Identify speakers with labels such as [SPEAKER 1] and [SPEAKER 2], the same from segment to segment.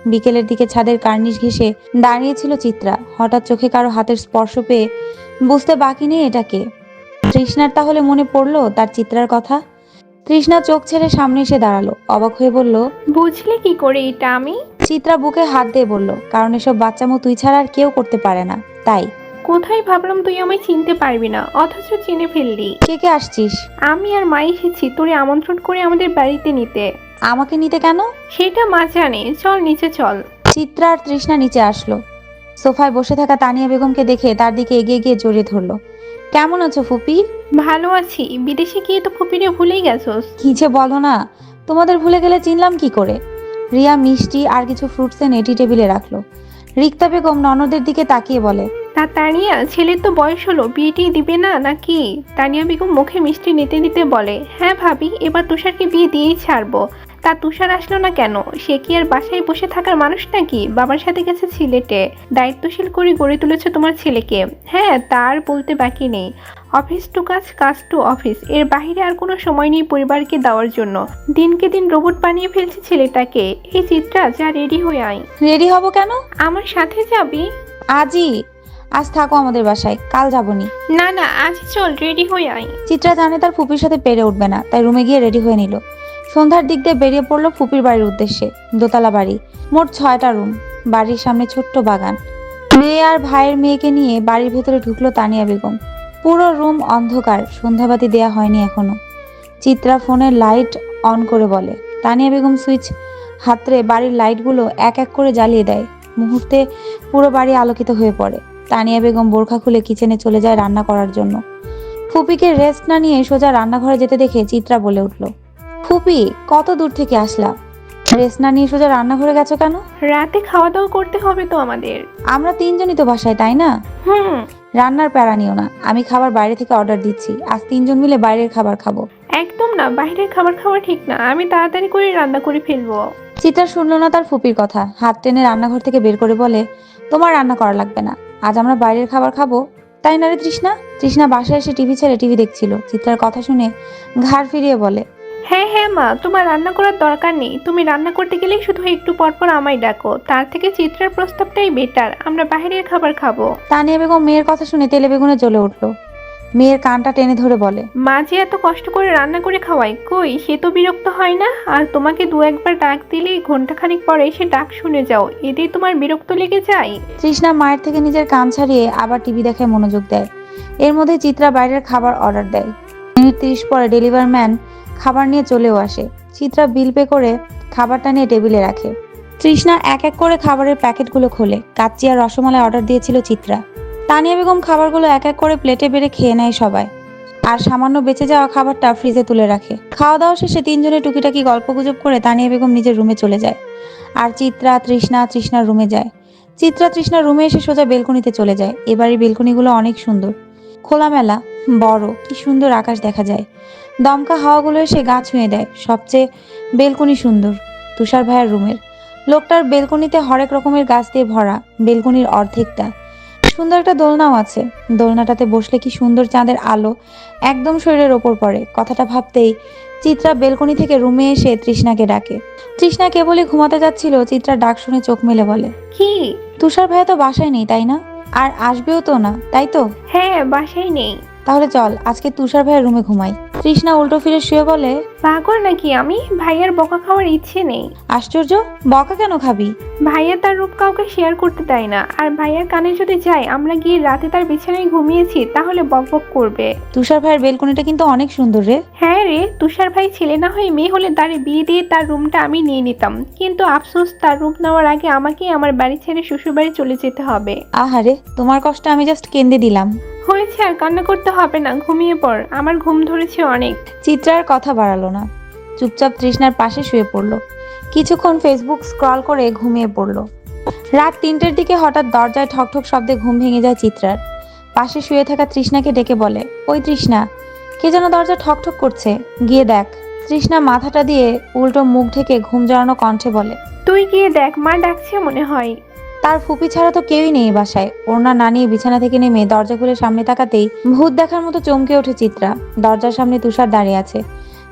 [SPEAKER 1] বিকেলের দিকে ছাদের কার্নিশ ঘেঁষে দাঁড়িয়েছিল চিত্রা। হঠাৎ চোখে কারো হাতের স্পর্শ পেয়ে বুঝতে বাকি নেই এটাকে। তৃষ্ণার তাহলে মনে পড়লো তার চিত্রার কথা। তৃষ্ণা চোখ ছেড়ে সামনে এসে দাঁড়ালো, অবাক হয়ে বলল,
[SPEAKER 2] বুঝলে কি করে এটা আমি?
[SPEAKER 1] চিত্রা বুকে হাত দিয়ে বলল, কারণ এসব বাচ্চামো তুই ছাড়া আর কেউ করতে পারে না, তাই।
[SPEAKER 2] কোথায় ভাবলাম তুই আমায় চিনতে পারবি না, অথচ চিনে ফেললি।
[SPEAKER 1] কে কে আসছিস?
[SPEAKER 2] আমি আর মা এসেছি তোরে আমন্ত্রণ করে আমাদের বাড়িতে নিতে।
[SPEAKER 1] আমাকে নিতে কেন?
[SPEAKER 2] সেটা মা জানে, চল নিচে চল।
[SPEAKER 1] চিত্রা আর তৃষ্ণা নিচে আসলো। সোফায় বসে থাকা তানিয়া বেগমকে দেখে তার দিকে এগিয়ে গিয়ে জড়িয়ে ধরলো। কেমন আছো ফুপি?
[SPEAKER 2] ভালো আছি, বিদেশে গিয়ে তো ফুপিরে ভুলেই গেছোস।
[SPEAKER 1] কি যে বলো না, তোমাদের ভুলে গেলে চিনলাম কি করে। রিয়া মিষ্টি আর কিছু ফ্রুটস এনে টি টেবিলে রাখলো। রিক্তা বেগম ননদের দিকে তাকিয়ে বলে,
[SPEAKER 2] তা তানিয়া, ছেলের তো বয়স হলো, বিয়েটি দিবে না নাকি? তানিয়া বেগম মুখে মিষ্টি নিতে নিতে বলে, হ্যাঁ ভাবি, এবার তুষারকে বিয়ে দিয়েই ছাড়বো। তা তুষার আসলো না কেন? সে কি আর বাসায় বসে থাকার মানুষ নাকি? বাবার সাথে গেছে সিলেটে, দায়িত্বশীল করে গড়ে তুলেছে তোমার ছেলেকে। হ্যাঁ, তার বলতে বাকি নেই। অফিস টু কাজ, কাজ টু অফিস, এর বাইরে আর কোনো সময় নেই পরিবারকে দেওয়ার জন্য। দিনকে দিন রোবট বানিয়ে ফেলছে ছেলেটাকে। এই চিত্রা, যা রেডি হয়ে আয়।
[SPEAKER 1] রেডি হব কেন?
[SPEAKER 2] আমার সাথে যাবি?
[SPEAKER 1] আজই। আজ থাকো আমাদের বাসায়, কাল যাবনি।
[SPEAKER 2] না না, আজ চল, রেডি হয়ে আয়।
[SPEAKER 1] চিত্রা জানে তার ফুপির সাথে পেরে উঠবে না, তাই রুমে গিয়ে রেডি হয়ে নিল। সন্ধ্যার দিক দিয়ে বেরিয়ে পড়লো ফুপির বাড়ির উদ্দেশ্যে। দোতলা বাড়ি, মোট 6টা রুম, বাড়ির সামনে ছোট্ট বাগান। মেয়ে আর ভাইয়ের মেয়েকে নিয়ে বাড়ির ভেতরে ঢুকলো তানিয়া বেগম। পুরো রুম অন্ধকার, সন্ধ্যাবাতি দেয়া হয়নি এখনো। চিত্রা ফোনের লাইট অন করে বলে। তানিয়া বেগম সুইচ হাতড়ে বাড়ির লাইটগুলো এক এক করে জ্বালিয়ে দেয়। মুহূর্তে পুরো বাড়ি আলোকিত হয়ে পড়ে। তানিয়া বেগম বোরখা খুলে কিচেনে চলে যায় রান্না করার জন্য। ফুপিকে রেস্ট না নিয়ে সোজা রান্নাঘরে যেতে দেখে চিত্রা বলে উঠল, ফুপি, কত দূর থেকে আসলা? রেস্ট না নিয়ে সোজা রান্নাঘরে গেছো কেন?
[SPEAKER 2] রাতে খাওয়া দাওয়া করতে হবে তো আমাদের।
[SPEAKER 1] আমরা তিনজনই তো বাসায়, তাই না?
[SPEAKER 2] হুম।
[SPEAKER 1] রান্নার প্যারা নিও না, আমি খাবার বাইরে থেকে অর্ডার দিচ্ছি। আজ তিনজন মিলে বাইরের খাবার খাবো।
[SPEAKER 2] একদম না, বাইরের খাবার খাওয়া ঠিক না, আমি তাড়াতাড়ি করে রান্না করে ফেলবো।
[SPEAKER 1] চিত্রা শুনলো না তার ফুপির কথা, হাত টেনে রান্নাঘর থেকে বের করে বলে, তোমার রান্না করা লাগবে না, আজ আমরা বাইরের খাবার খাবো। তাই না রে তৃষ্ণা? তৃষ্ণা বাসায় এসে টিভি ছেড়ে টিভি দেখছিল। চিত্রার কথা শুনে ঘাড় ফিরিয়ে বলে,
[SPEAKER 2] হ্যাঁ হ্যাঁ মা, তোমার রান্না করার দরকার নেই। তুমি রান্না করতে গেলেই শুধু একটু পর পর আমায় ডাকো। তার থেকে চিত্রার প্রস্তাবটাই বেটার, আমরা বাইরের খাবার খাবো।
[SPEAKER 1] তানিয়া বেগম মেয়ের কথা শুনে তেলে বেগুনে জ্বলে উঠলো। মেয়ের কানটা টেনে ধরে বলে,
[SPEAKER 2] মা যে এত কষ্ট করে রান্না করে খাওয়ায়, কই সে তো বিরক্ত হয় না? আর তোমাকে দু একবার ডাক দিলেই ঘন্টাখানিক পরে সে ডাক শুনে যাও, এতেই তোমার বিরক্ত লেগে যায়।
[SPEAKER 1] তৃষ্ণা মায়ের থেকে নিজের কান ছাড়িয়ে আবার টিভি দেখায় মনোযোগ দেয়। এর মধ্যে চিত্রা বাইরের খাবার অর্ডার দেয়। মিনিট 30 পরে ডেলিভার ম্যান খাবার নিয়ে চলেও আসে। চিত্রা বিল পে করে খাবারটা নিয়ে টেবিলে রাখে। তৃষ্ণা এক এক করে খাবারের প্যাকেটগুলো খোলে। কাচ্চি আর রসমালাই অর্ডার দিয়েছিল চিত্রা। তানিয়া বেগম খাবারগুলো এক এক করে প্লেটে বেড়ে খেয়ে নেয় সবাই, আর সামান্য বেঁচে যাওয়া খাবারটা ফ্রিজে তুলে রাখে। খাওয়া দাওয়া শেষে তিনজনে টুকিটাকি গল্পগুজব করে তানিয়া বেগম নিজের রুমে চলে যায়। আর চিত্রা তৃষ্ণার রুমে যায়। চিত্রা তৃষ্ণার রুমে এসে সোজা বেলকনিতে চলে যায়। এবারের বেলকনিগুলো অনেক সুন্দর, খোলামেলা, বড়, কি সুন্দর আকাশ দেখা যায়। দমকা হাওয়াগুলো এসে গা ছুঁয়ে দেয়। সবচেয়ে বেলকনি সুন্দর তুষার ভাইয়ার রুমের। লোকটার বেলকনিতে হরেক রকমের গাছ দিয়ে ভরা, বেলকনির অর্ধেকটা। সুন্দর একটা দোলনাও আছে। দোলনাটাতে বসলে কি সুন্দর চাঁদের আলো একদম শরীরের ওপর পড়ে। কথাটা ভাবতেই চিত্রা বেলকনি থেকে রুমে এসে তৃষ্ণাকে ডাকে। তৃষ্ণা কেবলই ঘুমাতে যাচ্ছিল, চিত্রা ডাক শুনে চোখ মেলে বলে,
[SPEAKER 2] কি?
[SPEAKER 1] তুষার ভাইয়া তো বাসায় নেই, তাই না? আর আসবেও তো না, তাই তো?
[SPEAKER 2] হ্যাঁ, বাসায় নেই।
[SPEAKER 1] তাহলে চল আজকে তুষার ভাইয়ের রুমে ঘুমাই। তৃষ্ণা উল্টো ফিরে শুয়ে বলে,
[SPEAKER 2] পাগল নাকি আমি? ভাইয়ার বকা খাওয়ার ইচ্ছে নেই।
[SPEAKER 1] আশ্চর্য, বকা কেন খাবি?
[SPEAKER 2] ভাইয়া তার রূপ কাউকে শেয়ার করতে দেয় না, আর ভাইয়ার কানে যদি যায় আমরা গিয়ে রাতে তার বিছানায় ঘুমিয়েছি, তাহলে বকবক করবে।
[SPEAKER 1] তুষার ভাইয়ের বেলকনিটা কিন্তু অনেক সুন্দর রে।
[SPEAKER 2] হ্যাঁ রে, তুষার ভাই ছেলে না হয়ে মেয়ে হলে তার বিয়ে দিয়ে তার রুমটা আমি নিয়ে নিতাম, কিন্তু আফসোস, তার রুম নেওয়ার আগে আমাকেই আমার বাড়ি ছেড়ে শ্বশুর বাড়ি চলে যেতে হবে।
[SPEAKER 1] আহারে, তোমার কষ্ট আমি জাস্ট কেঁদে দিলাম।
[SPEAKER 2] হয়েছে, আর কান্না করতে হবে না, ঘুমিয়ে পড়, আমার ঘুম ধরেছে অনেক।
[SPEAKER 1] চিত্রার কথা বাড়ালো না, চুপচাপ তৃষ্ণার পাশে শুয়ে পড়লো। কিছুক্ষণ ফেসবুক স্ক্রল করে ঘুমিয়ে পড়লো। রাত 3টের দিকে হঠাৎ দরজায় ঠকঠক শব্দে ঘুম ভেঙে যায় চিত্রার। পাশে শুয়ে থাকা তৃষ্ণাকে ডেকে বলে, ওই তৃষ্ণা, কে যেন দরজা ঠকঠক করছে, গিয়ে দেখ। তৃষ্ণা মাথাটা দিয়ে উল্টো মুখ ঢেকে ঘুম জড়ানো কণ্ঠে বলে,
[SPEAKER 2] তুই গিয়ে দেখ, মা ডাকছে মনে হয়।
[SPEAKER 1] তার ফুপি ছাড়া তো কেউই নেই বাসায়। ওড়না না নিয়ে বিছানা থেকে নেমে দরজা খুলে সামনে তাকাতেই ভূত দেখার মতো চমকে ওঠে চিত্রা। দরজার সামনে তুষার দাঁড়িয়ে আছে।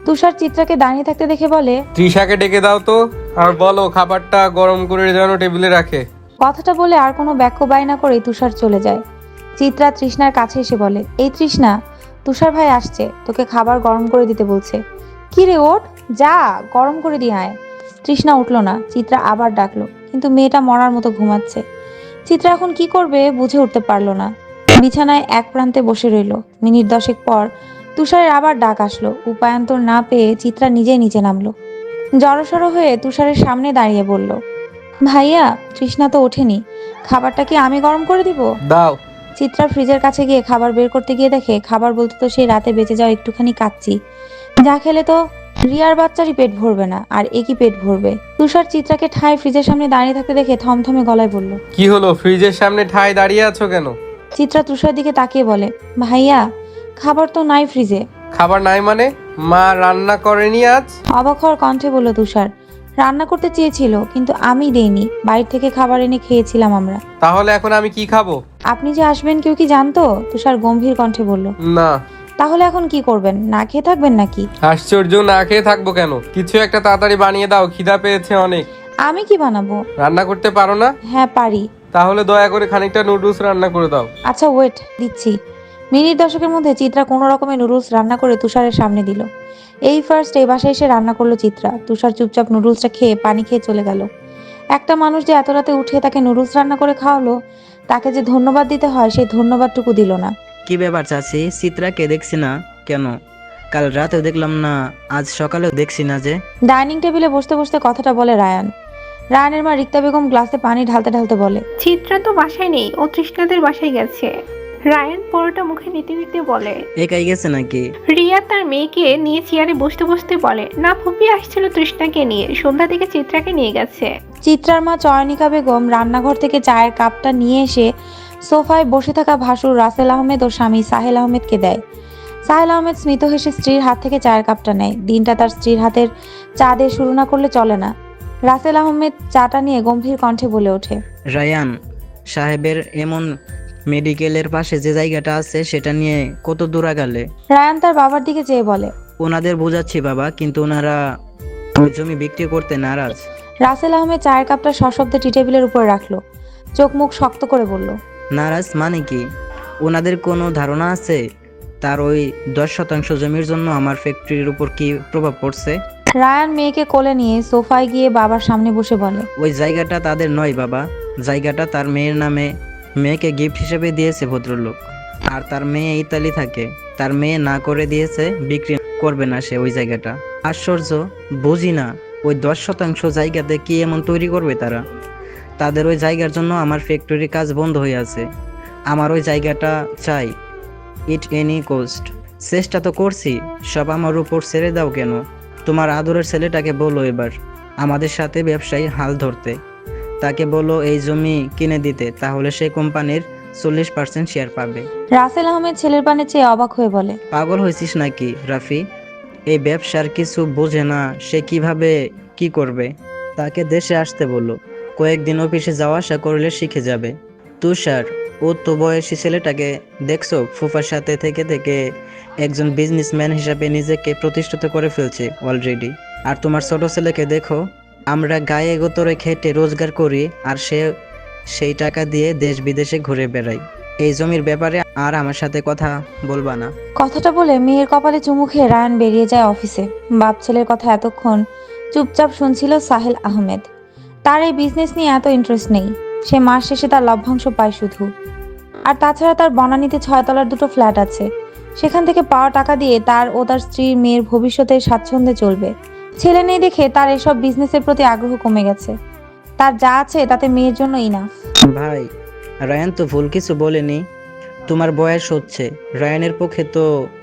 [SPEAKER 1] তুষার চিত্রাকে দাঁড়িয়ে থাকতে দেখে বলে,
[SPEAKER 3] তৃষাকে ডেকে দাও তো, আর বলো খাবারটা গরম করে যেন টেবিলে রাখে।
[SPEAKER 1] কথাটা বলে আর কোনো বাক্য বাই না করে তুষার চলে যায়। চিত্রা তৃষ্ণার কাছে এসে বলে, এই তৃষ্ণা, তুষার ভাই আসছে, তোকে খাবার গরম করে দিতে বলছে। কি রে, ওঠ, যা গরম করে দিয়ে আয়। তৃষ্ণা উঠলো না। চিত্রা আবার ডাকলো, কিন্তু মেয়েটা মরার মতো ঘুমাচ্ছে। চিত্রা এখন কি করবে বুঝে উঠতে পারলো না। বিছানায় এক প্রান্তে বসে রইল। মিনিট 10 পর তুষারের আবার ডাক আসলো। উপায়ান্তর না পেয়ে চিত্রা নিজেই নিচে নামলো। জড়সড় হয়ে তুষারের সামনে দাঁড়িয়ে বলল, ভাইয়া, তৃষ্ণা তো ওঠেনি, খাবারটা কি আমি গরম করে দিব?
[SPEAKER 3] দাও।
[SPEAKER 1] চিত্রা ফ্রিজের কাছে গিয়ে খাবার বের করতে গিয়ে দেখে খাবার বলতে তো সেই রাতে বেঁচে যাওয়া একটুখানি কাচ্চি, যা খেলে তো রিয়ার বাচ্চারই পেট ভরবে না, আর একই পেট ভরবে। তুষার চিত্রাকে ঠায় ফ্রিজের সামনে দাঁড়িয়ে থাকতে দেখে থমথমে গলায় বলল,
[SPEAKER 3] কি হলো, ফ্রিজের সামনে ঠায় দাঁড়িয়ে আছো কেন?
[SPEAKER 1] চিত্রা তুষার দিকে তাকিয়ে বলে, ভাইয়া, খাবার তো নাই ফ্রিজে।
[SPEAKER 3] খাবার নাই মানে? মা রান্না করেনি আজ?
[SPEAKER 1] অবাক হওয়ার কণ্ঠে বলল তুষার, রান্না করতে চেয়েছিল কিন্তু আমি দেইনি, বাইরে থেকে খাবার এনে খেয়েছিলাম আমরা।
[SPEAKER 3] তাহলে এখন আমি কি খাবো?
[SPEAKER 1] আপনি যে আসবেন কেউ কি জানতো? তুষার গম্ভীর কণ্ঠে বলল।
[SPEAKER 3] না।
[SPEAKER 1] তাহলে এখন কি করবেন? না খেয়ে থাকবেন নাকি?
[SPEAKER 3] আশ্চর্য, না খেয়ে থাকবো কেন? কিছু একটা তাড়াতাড়ি বানিয়ে দাও, খিদা পেয়েছে অনেক।
[SPEAKER 1] আমি কি বানাবো?
[SPEAKER 3] রান্না করতে পারো না?
[SPEAKER 1] হ্যাঁ পারি।
[SPEAKER 3] তাহলে দয়া করে খানিকটা নুডলস রান্না করে দাও।
[SPEAKER 1] আচ্ছা ওয়েট, দিচ্ছি। মিনিট 10 মধ্যে চিত্রা কোনো রকমের নুডলস রান্না করে তুষারের সামনে দিল। এই ফার্স্ট এই বাসায় এসে রান্না করলো চিত্রা। তুষার চুপচাপ নুডলসটা খেয়ে পানি খেয়ে চলে গেল। একটা মানুষ যে এত রাতে উঠে তাকে নুডলস রান্না করে খাওয়ালো, তাকে যে ধন্যবাদ দিতে হয় সেই ধন্যবাদটুকু দিল না।
[SPEAKER 4] কি ব্যাপার চাচি, চিত্রাকে দেখছি না কেন? কাল রাতেও দেখলাম না, আজ সকালেও দেখছি না যে।
[SPEAKER 1] ডাইনিং টেবিলে বসতে বসতে কথাটা বলে রায়ান। রায়ানের মা রিক্তা বেগম গ্লাসে পানি ঢালতে ঢালতে বলে,
[SPEAKER 2] চিত্রা তো বাসায় নেই, ও তৃষ্ণাদের বাসায় গেছে। রায়ান পরোটা মুখে নিতে নিতে বলে,
[SPEAKER 4] একাই গেছে নাকি?
[SPEAKER 2] রিয়া তার মেয়েকে নিয়ে চেয়ারে বসতে বসতে বলে, না ফুপি আসছিল তৃষ্ণাকে নিয়ে, সন্ধ্যা থেকে চিত্রাকে নিয়ে গেছে।
[SPEAKER 1] চিত্রার মা চয়নিকা বেগম রান্নাঘর থেকে চায়ের কাপটা নিয়ে এসে সোফায় বসে থাকা ভাসুর রাসেল আহমেদ ও স্বামী সাহেল আহমেদকে দেয়। সাহেল আহমেদ স্মিত হেসে স্ত্রীর হাত থেকে চায়ের কাপটা নেয়। দিনটা তার স্ত্রীর হাতের চা দিয়ে শুরু না করলে চলে না। রাসেল আহমেদ চাটা নিয়ে গম্ভীর কণ্ঠে বলে ওঠে,
[SPEAKER 4] রায়ান সাহেবের এমন মেডিকেলের পাশে যে জায়গাটা আছে সেটা নিয়ে কত দূর আগালে?
[SPEAKER 1] রায়ান তার বাবার দিকে চেয়ে বলে,
[SPEAKER 4] ওনাদের বোঝাচ্ছি বাবা, কিন্তু ওনারা ওই জমি বিক্রি করতে নারাজ।
[SPEAKER 1] রাসেল আহমেদ চায়ের কাপটা সশব্দে টি টেবিলের উপর রাখলো। চোখ মুখ শক্ত করে বলল,
[SPEAKER 4] নারাজ মানে কি? ওনাদের কোনো ধারণা আছে তার ওই 10% জমির জন্য আমার ফ্যাক্টরির উপর কি প্রভাব পড়ছে?
[SPEAKER 1] রায়ান মেয়েকে কোলে নিয়ে সোফায় গিয়ে বাবার সামনে বসে বলে,
[SPEAKER 4] ওই জায়গাটা তাদের নয় বাবা, জায়গাটা তার মেয়ের নামে, মেয়েকে গিফট হিসেবে দিয়েছে ভদ্রলোক। আর তার মেয়ে ইতালি থাকে, তার মেয়ে না করে দিয়েছে, বিক্রি করবে না সে ওই জায়গাটা। আশ্চর্য, বুঝি না ওই 10% জায়গাতে কি এমন তৈরি করবে তারা? তাদের ওই জায়গার জন্য আমার ফ্যাক্টরির কাজ বন্ধ হয়ে আছে। আমার ওই জায়গাটা চাই, ইট এনি কোস্ট। চেষ্টা তো করছি, সব আমার উপর ছেড়ে দাও কেন? তোমার আদরের ছেলেটাকে বলো এবার আমাদের সাথে ব্যবসায়ী হাল ধরতে। তাকে বলো এই জমি কিনে দিতে, তাহলে সেই কোম্পানির 40% শেয়ার পাবে।
[SPEAKER 1] রাসেল আহমেদ ছেলের পানে চেয়ে অবাক হয়ে বলে,
[SPEAKER 4] পাগল হয়েছিস নাকি রাফি? এই ব্যবসার কিছু বোঝে না, সে কিভাবে কি করবে? তাকে দেশে আসতে বলো, কয়েকদিন অফিসে যাওয়া আসা করলে শিখে যাবে। তুষার, ও তো বয়সী ছেলেটাকে দেখছো, ফুফার সাথে থেকে থেকে একজন বিজনেসম্যান হিসাবে নিজেকে প্রতিষ্ঠিত করে ফেলছে অলরেডি। আর তোমার ছোট ছেলেকে দেখো, আমরা গায়ে গোতরে খেটে রোজগার করি, আর সে সেই টাকা দিয়ে দেশ বিদেশে ঘুরে বেড়াই। এই জমির ব্যাপারে আর আমার সাথে কথা বলবা না।
[SPEAKER 1] কথাটা বলে মেয়ের কপালে চুমু খেয়ে রায়ান বেরিয়ে যায় অফিসে। বাপ ছেলের কথা এতক্ষণ চুপচাপ শুনছিল সাহেল আহমেদ। তার এই বিজনেস নিয়ে এত ইন্টারেস্ট নেই। সে মাস শেষে তার লভ্যাংশ পায় শুধু। আর তাছাড়া তার বনানীতে 6 তলার 2টো ফ্ল্যাট আছে। সেখান থেকে পাওয়া টাকা দিয়ে তার ও তার স্ত্রীর মেয়ের ভবিষ্যতে স্বাচ্ছন্দ্যে চলবে। ছেলে নেই দেখে তার এসব বিজনেসের প্রতি আগ্রহ কমে গেছে। তার যা আছে তাতে মেয়ের জন্য ইনাফ।
[SPEAKER 4] ভাই, রায়ান তো ভুল কিছু বলেনি। তোমার বয়স হচ্ছে, রায়ানের পক্ষে তো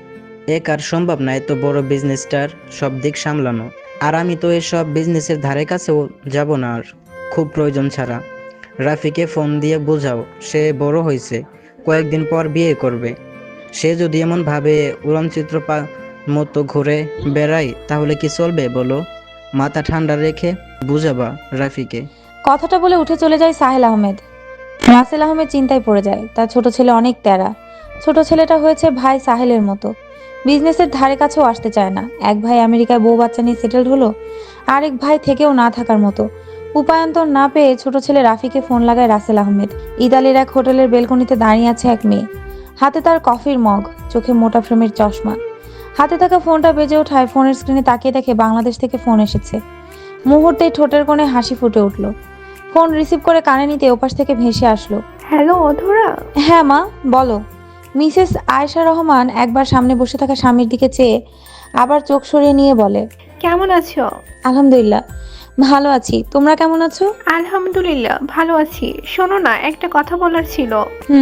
[SPEAKER 4] এক আর সম্ভব না এত বড় বিজনেসটার সব দিক সামলানো। আর আমি তো এসব বিজনেসের ধারে কাছেও যাব না আর, খুব প্রয়োজন ছাড়া। রাফিকে ফোন দিয়ে বোঝাও, সে বড় হয়েছে, কয়েকদিন পর বিয়ে করবে। সে যদি এমন ভাবে উড়নচিত্র মতো ঘুরে বেড়ায় তাহলে কি চলবে বলো? মাথা ঠান্ডা রেখে বুঝাবা রাফিকে।
[SPEAKER 1] কথাটা বলে উঠে চলে যায় সাহেল আহমেদ। রাসেল আহমেদ চিন্তায় পড়ে যায়। তার ছোট ছেলে অনেক তেরা। ছোট ছেলেটা হয়েছে ভাই সাহেলের মতো। বিজনেসের ধারে কাছেও আসতে চায় না। এক ভাই আমেরিকায় বউ বাচ্চা নিয়ে সেটেলড হলো, আরেক ভাই থেকেও না থাকার মতো। উপায়ন্তর না পেয়ে ছোট ছেলে রাফিকে ফোন লাগায় রাসেল আহমেদ। ইতালির এক হোটেলের বেলকনিতে দাঁড়িয়ে আছে এক মেয়ে, হাতে তার কফির মগ, চোখে মোটা ফ্রেমের চশমা। হাতে থাকা ফোনটা বেজে ওঠায় ফোনের স্ক্রিনে তাকিয়ে দেখে বাংলাদেশ থেকে ফোন এসেছে। মুহূর্তেই ঠোঁটের কোণে হাসি ফুটে উঠল। ফোন রিসিভ করে কানে নিতে ওপাশ থেকে ভেসে আসলো,
[SPEAKER 2] হ্যালো অধরা।
[SPEAKER 1] হ্যাঁ মা, বলো। মিসেস আয়েশা রহমান একবার সামনে বসে থাকা স্বামীর দিকে চেয়ে আবার চোখ সরিয়ে নিয়ে বলে,
[SPEAKER 2] কেমন আছো?
[SPEAKER 1] আলহামদুলিল্লাহ ভালো আছি, তোমরা কেমন আছো?
[SPEAKER 2] আলহামদুলিল্লাহ ভালো আছি। শোনো না, একটা কথা বলার ছিল।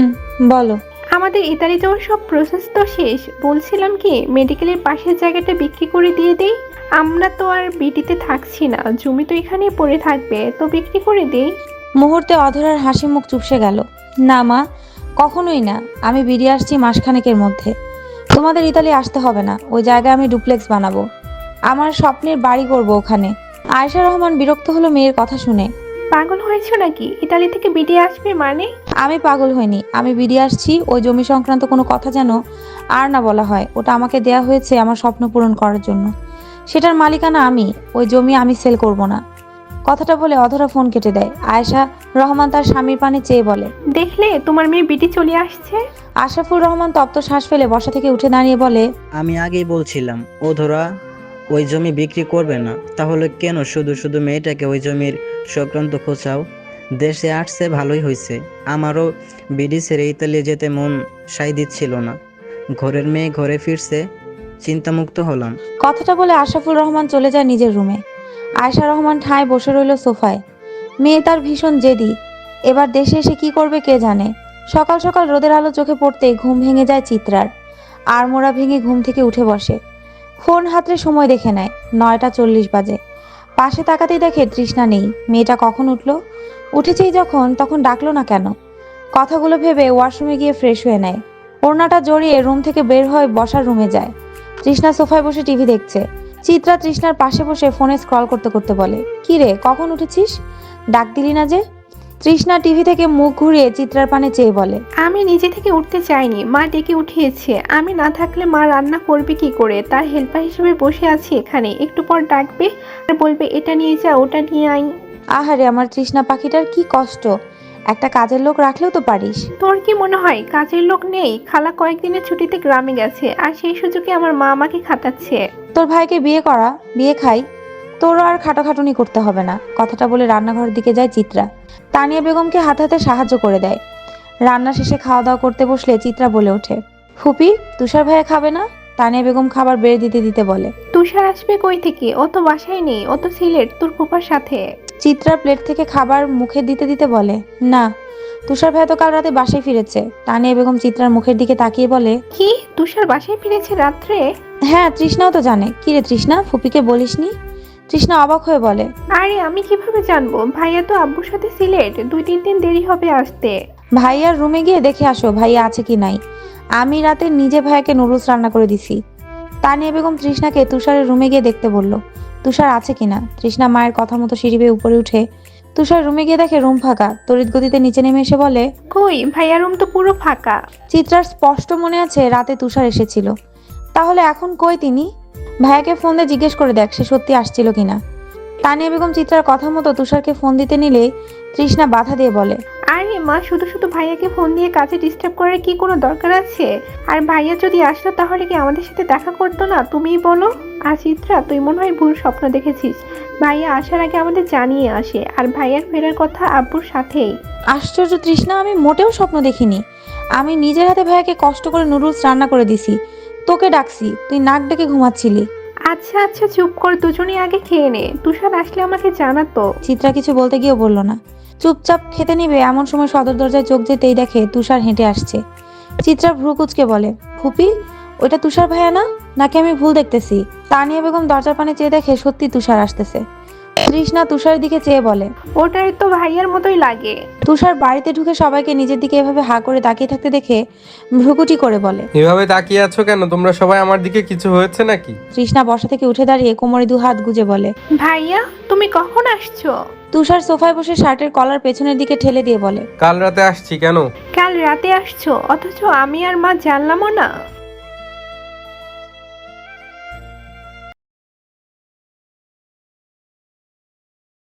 [SPEAKER 1] বলো।
[SPEAKER 2] আমাদের ইতালি যাওয়ার সব প্রসেস তো শেষ। বলছিলাম কি, মেডিকেলের পাশের জায়গাটা বিক্রি করে দিয়ে দেই। আমরা তো আর বিটিতে থাকছি না, জমি তো এখানেই পড়ে থাকবে, তো বিক্রি করে দেই।
[SPEAKER 1] মুহূর্তে অধরার হাসি মুখ চুপসে গেল। না মা, কখনোই না। আমি বেরিয়ে আসছি মাসখানেকের মধ্যে। তোমাদের ইতালি আসতে হবে না, ওই জায়গায় আমি ডুপ্লেক্স বানাবো, আমার স্বপ্নের বাড়ি করব ওখানে। আয়েশা রহমান বিরক্ত হলো মেয়ের কথা শুনে।
[SPEAKER 2] পাগল হয়েছো নাকি? ইতালি থেকে বিটি আসবে মানে?
[SPEAKER 1] আমি পাগল হইনি, আমি বেরিয়ে আসছি। ওই জমি সংক্রান্ত কোনো কথা যেন আর না বলা হয়। ওটা আমাকে দেয়া হয়েছে আমার স্বপ্ন পূরণ করার জন্য, সেটার মালিকানা আমি। ওই জমি আমি সেল করব না। কথাটা বলে অধরা ফোন কেটে দেয়। আয়েশা রহমান তার স্বামীর পানে চেয়ে বলে,
[SPEAKER 2] দেখলে তোমার মেয়ে বিটি চলে আসছে।
[SPEAKER 1] আশরাফুর রহমান তপ্ত শ্বাস ফেলে বসা থেকে উঠে দাঁড়িয়ে বলে,
[SPEAKER 4] আমি আগেই বলছিলাম ও ধরা ওই জমি বিক্রি করবে না, তাহলে কেন শুধু শুধু মেয়েটাকে ওই জমির সংক্রান্ত খোঁচাও? দেশে আসছে ভালোই হয়েছে, আমারও বিডি ছেড়ে ইতালি যেতে মন সাই দিচ্ছিল না। ঘরের মেয়ে ঘরে ফিরছে, চিন্তামুক্ত হলাম।
[SPEAKER 1] কথাটা বলে আশরাফুর রহমান চলে যায় নিজের রুমে। আয়েশা রহমান ঠায় বসে রইল সোফায়। মেয়ে তার ভীষণ জেদি, এবার দেশে এসে কি করবে কে জানে। সকাল সকাল রোদের আলো চোখে পড়তেই ঘুম ভেঙে যায় চিত্রার। আড়মোড়া ভেঙে ঘুম থেকে উঠে বসে, ফোন হাতে সময় দেখে নেয়। 9টা 40 বাজে। পাশে তাকাতেই দেখে তৃষ্ণা নেই। মেয়েটা কখন উঠলো? উঠেছেই যখন, তখন ডাকলো না কেন? কথাগুলো ভেবে ওয়াশরুমে গিয়ে ফ্রেশ হয়ে নেয়। ওড়নাটা জড়িয়ে রুম থেকে বের হয়ে বসার রুমে যায়। তৃষ্ণা সোফায় বসে টিভি দেখছে। চিত্রা তৃষ্ণার পাশে বসে ফোনে স্ক্রল করতে করতে বলে, কি রে, কখন উঠেছিস? ডাক দিলি না যে? তৃষ্ণা টিভি থেকে মুখ ঘুরিয়ে চিত্রার পানে চেয়ে বলে,
[SPEAKER 2] আমি নিজে থেকে উঠতে চাইনি, মা ডেকে উঠিয়েছে। আমি না থাকলে মা রান্না করবে কি করে? তার হেল্পার হিসেবে বসে আছি এখানে। একটু পর ডাকবে আর বলবে এটা নিয়ে যা, ওটা নিয়ে আই।
[SPEAKER 1] আহারে আমার তৃষ্ণা পাখিটার কি কষ্ট, একটা কাজের লোক রাখলেও তো পারিস।
[SPEAKER 2] তোর কি মনে হয় কাজের লোক নেই? খালা কয়েকদিনের ছুটিতে গ্রামে গেছে, আর সেই সুযোগে আমার মা আমাকে খাটাচ্ছে।
[SPEAKER 1] তোর ভাইকে বিয়ে করা, বিয়ে খাই, তোরও আর খাটাখাটুনি করতে হবে না। কথাটা বলে রান্নাঘরের দিকে যায় চিত্রা। তানিয়া বেগমকে হাতে হাতে সাহায্য করে দেয়। রান্না শেষে খাওয়া দাওয়া করতে বসলে চিত্রা বলে ওঠে, ফুপি, তুষার ভাইয়া খাবে না? তানিয়া বেগম খাবার বেড়ে দিতে দিতে বলে।
[SPEAKER 2] তুষার আসবে কই থেকে? ও তো বাসায় নেই, ও তো সিলেট তোর ফুফার সাথে।
[SPEAKER 1] চিত্রা প্লেট থেকে খাবার মুখে দিতে দিতে বলে, না, তুষার ভাইয়া তো কাল রাতে বাসায় ফিরেছে। তানিয়া বেগম চিত্রার মুখের দিকে তাকিয়ে বলে,
[SPEAKER 2] কি, তুষার বাসায় ফিরেছে রাত্রে?
[SPEAKER 1] হ্যাঁ, তৃষ্ণাও তো জানে। কি রে তৃষ্ণা, ফুপিকে বলিসনি? তৃষ্ণা অবাক হয়ে বলে,
[SPEAKER 2] আরে আমি কিভাবে জানবো? ভাইয়া তো আব্বুর সাথে সিলেট, 2-3 দিন দেরি হবে আসতে।
[SPEAKER 1] ভাইয়ার রুমে গিয়ে দেখে আসো ভাইয়া আছে কি নাই। আমি রাতে নিজে ভাইয়াকে নুডলস রান্না করে দিছি। তানিয়া বেগম তৃষ্ণাকে তুষারের রুমে গিয়ে দেখতে বলল, তুষার আছে কিনা। তৃষ্ণা মায়ের কথা মতো সিঁড়ি বেয়ে উপরে উঠে তুষার রুমে গিয়ে দেখে রুম ফাঁকা। তড়িৎ গতিতে নিচে নেমে এসে বলে,
[SPEAKER 2] কই, ভাইয়া রুম তো পুরো ফাঁকা।
[SPEAKER 1] চিত্রার স্পষ্ট মনে আছে রাতে তুষার এসেছিল, তাহলে এখন কই তিনি? ভাইয়াকে ফোন দিয়ে জিজ্ঞেস করে দেখ সে সত্যি আসছিল কিনা। তানিয়া বেগম চিত্রার কথা মতো তুষারকে ফোন দিতে নিলে তৃষ্ণা বাধা দিয়ে বলে,
[SPEAKER 2] আরে মা, শুধু শুধু ভাইয়াকে ফোন দিয়ে কাজে ডিস্টার্ব করার কি কোনো দরকার আছে? আর ভাইয়া যদি আসতো তাহলে কি আমাদের সাথে দেখা করতো না? তুমিই বলো। আর চিত্রা, তুই মনে হয় ভুল স্বপ্ন দেখেছিস। ভাইয়া আসার আগে আমাদের জানিয়ে আসে, আর ভাইয়ার ফেরার কথা আব্বুর সাথেই।
[SPEAKER 1] আশ্চর্য তৃষ্ণা, আমি মোটেও স্বপ্ন দেখিনি। আমি নিজের হাতে ভাইয়াকে কষ্ট করে নুডলস রান্না করে দিছি, তোকে ডাকছি, তুই নাক ডেকে ঘুমাচ্ছিলি।
[SPEAKER 2] আচ্ছা আচ্ছা চুপ কর, দুজনেই আগে খেয়ে নে। তুষার আসলে আমাকে জানাতো।
[SPEAKER 1] চিত্রা কিছু বলতে গিয়েও বলল না। চুপচাপ খেতে নিবে এমন সময় সদর দরজায় চোখ যেতেই দেখে তুষার হেঁটে আসছে। চিত্রা ভ্রু কুচকে বলে, ফুপি, ওইটা তুষার ভাইয়া না, নাকি আমি ভুল দেখতেছি? তানিয়া বেগম দরজার পানে চেয়ে দেখে সত্যি তুষার আসতেছে। তৃষ্ণা তুষারের দিকে চেয়ে বলে,
[SPEAKER 2] ওটাই তো ভাইয়ার মতোই লাগে।
[SPEAKER 1] তুষার বাড়িতে ঢুকে সবাইকে নিজের দিকে এভাবে হা করে তাকিয়ে থাকতে দেখে ভ্রুকুটি করে বলে,
[SPEAKER 3] এভাবে তাকিয়ে আছো কেন তোমরা সবাই? আমার দিকে কিছু হয়েছে নাকি?
[SPEAKER 1] তৃষ্ণা বসা থেকে উঠে দাঁড়িয়ে কোমরে 2 হাত গুজে বলে,
[SPEAKER 2] ভাইয়া তুমি কখন আসছো?
[SPEAKER 1] তুষার সোফায় বসে শার্টের কলার পেছনের দিকে ঠেলে দিয়ে বলে,
[SPEAKER 3] কাল রাতে আসছি। কেন?
[SPEAKER 2] কাল রাতে আসছো, অথচ আমি আর মা জানলামও না।